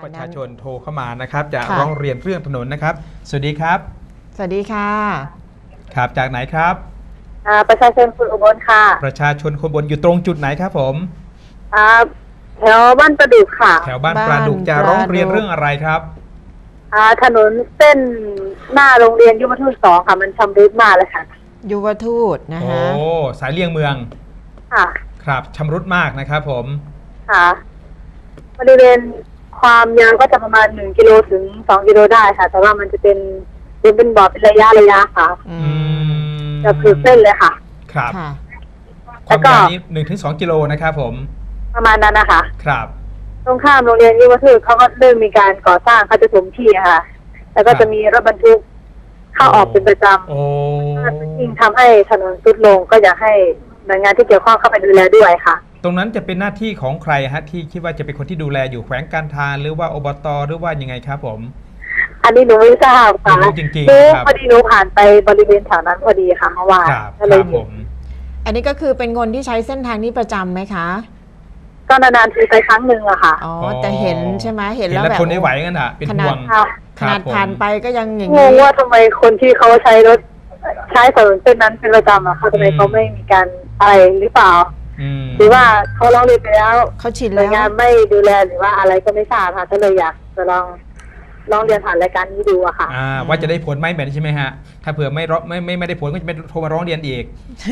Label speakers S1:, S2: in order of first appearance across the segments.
S1: ประชาชนโทรเข้ามานะครับจะร้องเรียนเรื่องถนนนะครับสวัสดีครับ
S2: สวัสดีค่ะ
S1: ครับจากไหนครับ
S3: ประชาชนคนอุบลค่ะ
S1: ประชาชนคนอุบลอยู่ตรงจุดไหนครับผม
S3: แถวบ้านประดุกค่ะ
S1: แถวบ้านประดุกจะร้องเรียนเรื่องอะไรครับ
S3: ถนนเส้นหน้าโรงเรียนยุวทูต2ค่ะมันชำรุดมากเลยค่ะ
S2: ยุวทูตนะคะ
S1: โอ้สายเลี่ยงเมือง
S3: ค่ะ
S1: ครับชำรุดมากนะครับผม
S3: ค่ะบริเวณความยาวก็จะประมาณ1 กิโลถึง2 กิโลได้ค่ะแต่ว่ามันจะเป็นบ่อเป็นระยะค่ะจะคือเส้นเลยค่ะ
S1: ครับความยาวนี้1 ถึง 2 กิโลนะครับผม
S3: ประมาณนั้นนะคะ
S1: ครับ
S3: ตรงข้ามโรงเรียนยุวทูตเขาก็เริ่มมีการก่อสร้างเขาจะถมที่ค่ะแล้วก็จะมีรถบรรทุกเข้าออกเป็นประจำยิ่งทำให้ถนนทรุดลงก็อยากให้หน่วยงานที่เกี่ยวข้องเข้าไปดูแลด้วยค่ะ
S1: ตรงนั้นจะเป็นหน้าที่ของใครฮะที่คิดว่าจะเป็นคนที่ดูแลอยู่แขวงการทางหรือว่าอบตหรือว่ายังไงครับผม
S3: อันนี้หนูไม่ทราบค่ะ
S1: จริงๆ
S3: พอดีหนูผ่านไปบริเวณแถวนั้นพอดีค่ะเมื่อวาน
S1: ก็เลยผม
S2: อันนี้ก็คือเป็นคนที่ใช้เส้นทางนี้ประจำไหมคะ
S3: ก็นานๆทีไปครั้งหนึ่งอะค่ะ
S2: อ๋อแต่เห็นใช่ไหมเห็นแล้วแบบ
S1: คนไม่ไหวกันอ่ะเป็นห่วง
S2: ขนาดผ่านไปก็ยังอย่าง
S3: นี้งงว่าทำไมคนที่เขาใช้ถนนเส้นนั้นเป็นประจำอะค่ะทำไมเขาไม่มีการอะไรหรือเปล่าหรือว่าเขาร้องเรียนไปแล้ว
S2: เขาชินแล้ว
S3: งานไม่ดูแลหรือว่าอะไรก็ไม่ทราบค่ะก็เลยอยากจะลองเรียนผ่านรายการนี้ดูอะค่ะ
S1: ว่าจะได้ผลไหมแบบนี้ใช่ไหมฮะถ้าเผื่อไม่ได้ผลก็จะไปโทรมาร้องเรียนอีก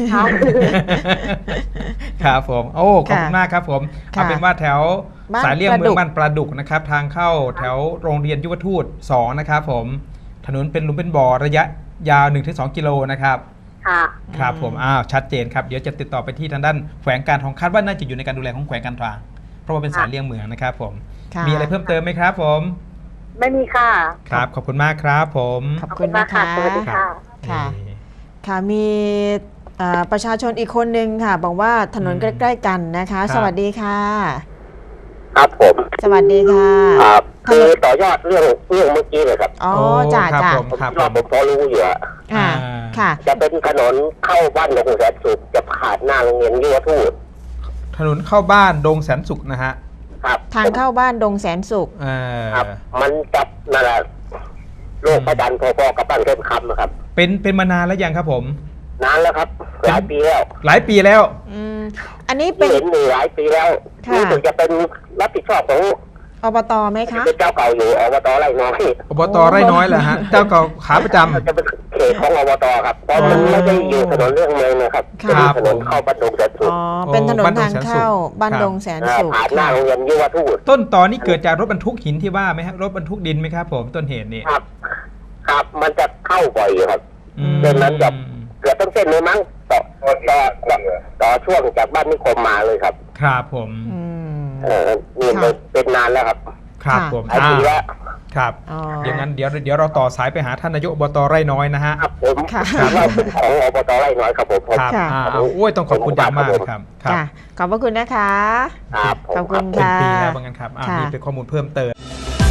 S1: ครับผมโอ้ขอบคุณมากครับผมเอาเป็นว่าแถวสายเลี่ยงเมืองบ้านประดุกนะครับทางเข้าแถวโรงเรียนยุวทูต2นะครับผมถนนเป็นหลุมเป็นบ่อระยะยาว 1-2 กิโลนะครับครับผมชัดเจนครับเดี๋ยวจะติดต่อไปที่ทางด้านแขวงการทางคาดว่าน่าจะอยู่ในการดูแลของแขวงการทางเพราะว่าเป็นสายเลี่ยงเมืองนะครับผมมีอะไรเพิ่มเติมไหมครับผม
S3: ไม่มีค่ะ
S1: ครับขอบคุณมากครับผม
S2: ขอบคุณนะคะ
S3: สวัสดีค่ะ
S2: ค่ะมีประชาชนอีกคนนึงค่ะบอกว่าถนนใกล้ๆกันนะคะสวัสดีค่ะ
S4: ครับผม
S2: สวัสดีค่ะ
S4: ครับคือต่อยอดเรื่องเมื่อกี้เลยครับ
S2: อ๋อจ่า
S4: ผมพอรู้อยู่
S2: ค่ะ
S4: จะเป็นถนนเข้าบ้านดงแสนสุขจะผ่านหน้าโรงเรียนยุวทูต
S1: ถนนเข้าบ้านดงแสนสุขนะฮะ
S4: ครับ
S2: ทางเข้าบ้านดงแสนสุข
S4: ครับมันจับนั่นแหละโลกประจันพอๆกับบ้านเข้มคำนะครับ
S1: เป็นมานานแล้วยังครับผม
S4: นานแล้วครับหลายปี
S1: แล้ว
S2: อันนี้เป็น
S4: หลายปีแล้วนี่ถึงจะเป็นรับผิดชอบของ
S2: อบตไหมคะ
S4: เป็นเจ้าเก่าอยู่อบตไร่น้อย
S1: อบตไร่น้อยเหรอฮะเจ้าเก่าขาประจำ
S4: จะเป็นเขตของอบตครับเพราะมันไม่ได้อยู่ถนนเรื่องเมืองนะครับเป็นถนนเข้าบ้านดงแสนสุข
S2: เป็นถนนทางเข้าบ้านดงแสนสุข
S4: ผ่านหน้าโรงเรียนยุวทูต
S1: ต้นตอนนี้เกิดจากรถบรรทุกหินที่ว่าไหมครับรถบรรทุกดินไหมครับผมต้นเหตุนี่
S4: ครับมันจะเข้าบ่อยครับเส้นนั้นจะเกือบต้องเส้นเลยมั้งต่อช่วงจากบ้านนิคมมาเลยครับ
S1: ครับผม
S4: นี่เป็นนานแล้วครับ
S1: ครับผม
S4: แล้ว
S1: ครับอย่างนั้นเดี๋ยวเราต่อสายไปหาท่านนายกอบตไร่น้อยนะฮะ
S4: ครับผมเราเป็นของอบตไร่น้อยครับผม
S1: ครับโอ้ยต้องขอบคุณอย่างมากครับ
S2: ขอบพระคุณนะคะ
S4: ครับ
S2: ขอบคุณค่ะ
S1: เป็นปีแล้วเหมือนกันครับนี่เป็นข้อมูลเพิ่มเติม